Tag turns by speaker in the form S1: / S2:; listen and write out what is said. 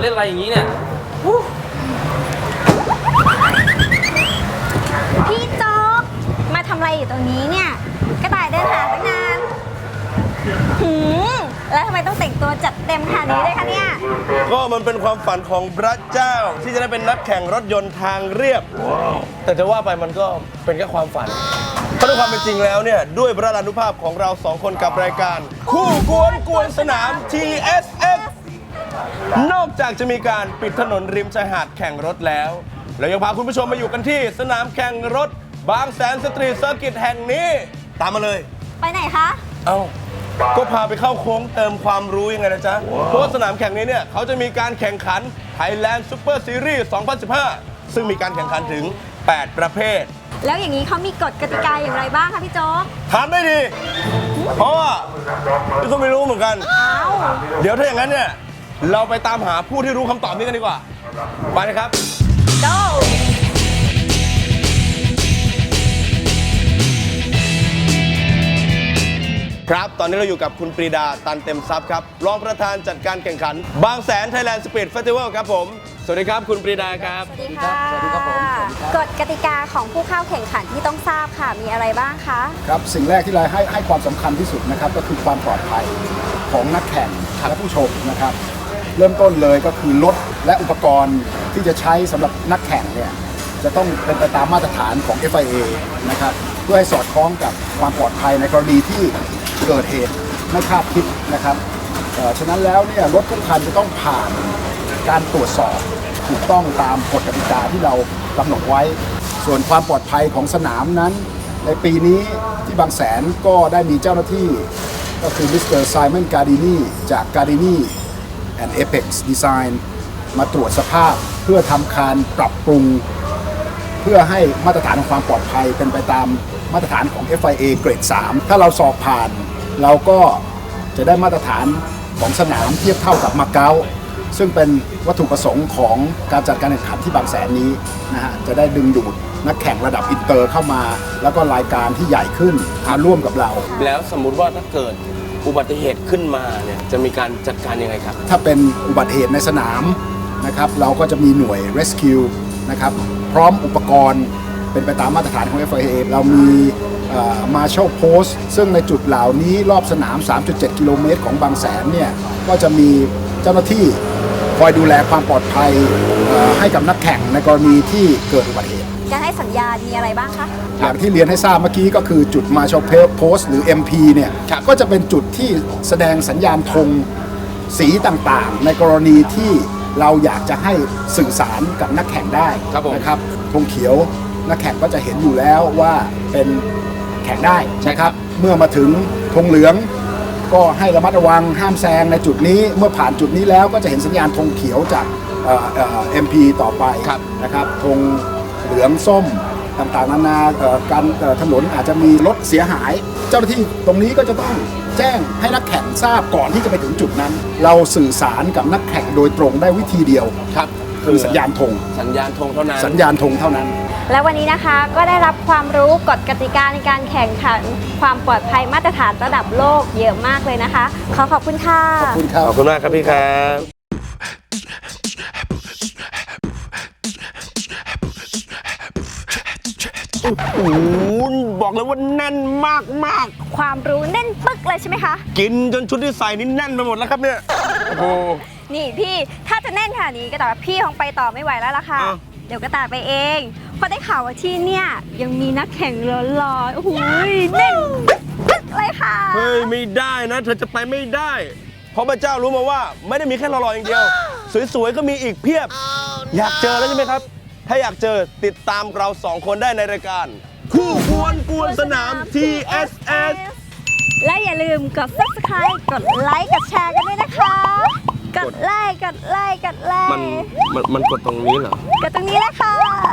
S1: เล่นอะไรอย่างนี้เนี่ย
S2: พี่โจ๊กมาทำอะไรอยู่ตรงนี้เนี่ยกระต่ายเดินหาตั้งนานแล้วทำไมต้องแต่งตัวจัดเต็มขนาดนี้ด้วยคะเนี่ย
S3: ก็มันเป็นความฝันของพระเจ้าที่จะได้เป็นนักแข่งรถยนต์ทางเรียบแต่จะว่าไปมันก็เป็นแค่ความฝันเพราะในความเป็นจริงแล้วเนี่ยด้วยพระรานุภาพของเราสองคนกับรายการคู่กวนสนาม TSF นอกจากจะมีการปิดถนนริมชายหาดแข่งรถแล้วเรายังพาคุณผู้ชมมาอยู่กันที่สนามแข่งรถบางแสนสตรีทเซอร์กิตแห่งนี้ตามมาเลย
S2: ไปไหนคะ
S3: ก็พาไปเข้าโค้งเติมความรู้ยังไงนะจ๊ะเพราะว่าสนามแข่งนี้เนี่ยเขาจะมีการแข่งขัน Thailand Super Series 2015 ซึ่งมีการแข่งขันถึง 8 ประเภท
S2: แล้วอย่างนี้เขามีกฎกติกาอย่างไรบ้างคะพี่โจ๊ก
S3: ถามได้ดีเพราะว่าพี่ก็ไม่รู้เหมือนกันเดี๋ยวถ้าอย่างนั้นเนี่ยเราไปตามหาผู้ที่รู้คำตอบนี้กันดีกว่าไปนะครับ
S2: Go
S3: ครับตอนนี้เราอยู่กับคุณปรีดาตันเต็มทรัพย์ครับรองประธานจัดการแข่งขันบางแสน Thailand Speed Festival ครับผมสวัสดีครับคุณปรีดาครับ
S2: สวัสดีค่ะสวัสดีครับผมกฎกติกาของผู้เข้าแข่งขันที่ต้องทราบค่ะมีอะไรบ้างคะ
S4: ครับสิ่งแรกที่เราให้ความสำคัญที่สุดนะครับก็คือความปลอดภัยของนักแข่งและผู้ชมนะครับเริ่มต้นเลยก็คือรถและอุปกรณ์ที่จะใช้สำหรับนักแข่งเนี่ยจะต้องเป็นไปตามมาตรฐานของ FIA นะครับเพื่อให้สอดคล้องกับความปลอดภัยในกรณีที่เกิดเหตุไม่คาดคิดนะครับฉะนั้นแล้วเนี่ยรถทุกคันจะต้องผ่านการตรวจสอบถูกต้องตามกฎกติกาที่เรากำหนดไว้ส่วนความปลอดภัยของสนามนั้นในปีนี้ที่บางแสนก็ได้มีเจ้าหน้าที่ก็คือมิสเตอร์ไซมอนการ์ดินีจาก Gardini and Apex Design มาตรวจสภาพเพื่อทำการปรับปรุงเพื่อให้มาตรฐานของความปลอดภัยเป็นไปตามมาตรฐานของ FIA เกรด 3 ถ้าเราสอบผ่านเราก็จะได้มาตรฐานของสนามเทียบเท่ากับมาเก๊าซึ่งเป็นวัตถุประสงค์ของการจัดการแข่งขันที่บางแสนนี้นะฮะจะได้ดึงดูดนักแข่งระดับอินเตอร์เข้ามาแล้วก็รายการที่ใหญ่ขึ้นมาร่วมกับเรา
S3: แล้วสมมุติว่าถ้าเกิดอุบัติเหตุขึ้นมาเนี่ยจะมีการจัดการยังไงครับ
S4: ถ้าเป็นอุบัติเหตุในสนามนะครับเราก็จะมีหน่วย Rescue นะครับพร้อมอุปกรณ์เป็นไปตามมาตรฐานของ FIA เรามี Marshal Post ซึ่งในจุดเหล่านี้รอบสนาม 3.7 กิโลเมตรของบางแสนเนี่ยก็จะมีเจ้าหน้าที่คอยดูแลความปลอดภัยให้กับนักแข่งในกรณีที่เกิดอุบัติเหตุ
S2: การให้สัญญาณมีอะไรบ้างคะ
S4: อย่างที่เรียนให้ทราบเมื่อกี้ก็คือจุด Marshal Post หรือ MP เนี่ยก็จะเป็นจุดที่แสดงสัญญาณธงสีต่างๆในกรณีที่เราอยากจะให้สื่อสารกับนักแข่งได้นะครับธงเขียวนักแข่งก็จะเห็นอยู่แล้วว่าเป็นแข่งได้นะครับเมื่อมาถึงธงเหลืองก็ให้ระมัดระวังห้ามแซงในจุดนี้เมื่อผ่านจุดนี้แล้วก็จะเห็นสัญญาณธงเขียวจากMP ต่อไปนะครับธงเหลืองส้มต่างๆนานาการถนนอาจจะมีรถเสียหายเจ้าหน้าที่ตรงนี้ก็จะต้องแจ้งให้นักแข่งทราบก่อนที่จะไปถึงจุดนั้นเราสื่อสารกับนักแข่งโดยตรงได้วิธีเดียว
S3: ครับ
S4: คือสัญญาณธง
S3: เท่านั้น
S4: สัญญาณธงเท่านั้น
S2: และวันนี้นะคะก็ได้รับความรู้กฎกติกาในการแข่งขันความปลอดภัยมาตรฐานระดับโลกเยอะมากเลยนะคะขอบคุณค่ะ
S4: ขอบคุณครับ
S3: ขอบคุณมากครับพี่ครับโอ้โหบอกเลยว่าแน่นมาก
S2: ความรู้แน่นปึ๊กเลยใช่ไหมคะ
S3: กินจนชุดที่ใส่นี่แน่นไปหมดแล้วครับเนี่ยโอ้
S2: นี่พี่ถ้าจะแน่นขนาดนี้ก็แต่ว่าพี่คงไปต่อไม่ไหวแล้วล่ะค่ะเดี๋ยวกระต่ายไปเองเพราะได้ข่าวว่าที่เนี่ยยังมีนักแข่งหล่อๆโอ้โหแน่นปึ๊กเลยค่ะ
S3: เฮ้ยไม่ได้นะเธอจะไปไม่ได้เพราะพระเจ้ารู้มาว่าไม่ได้มีแค่หล่อๆอย่างเดียวสวยๆก็มีอีกเพียบอยากเจอแล้วใช่ไหมครับถ้าอยากเจอติดตามเรา2คนได้ในรายการคู่กวนสนาม TSS
S2: และอย่าลืมกด Subscribe กดไลค์กดแชร์กันด้วยนะคะกดไลค์
S3: มันกดตรงนี้เหรอก
S2: ดตรงนี้แหละค่ะ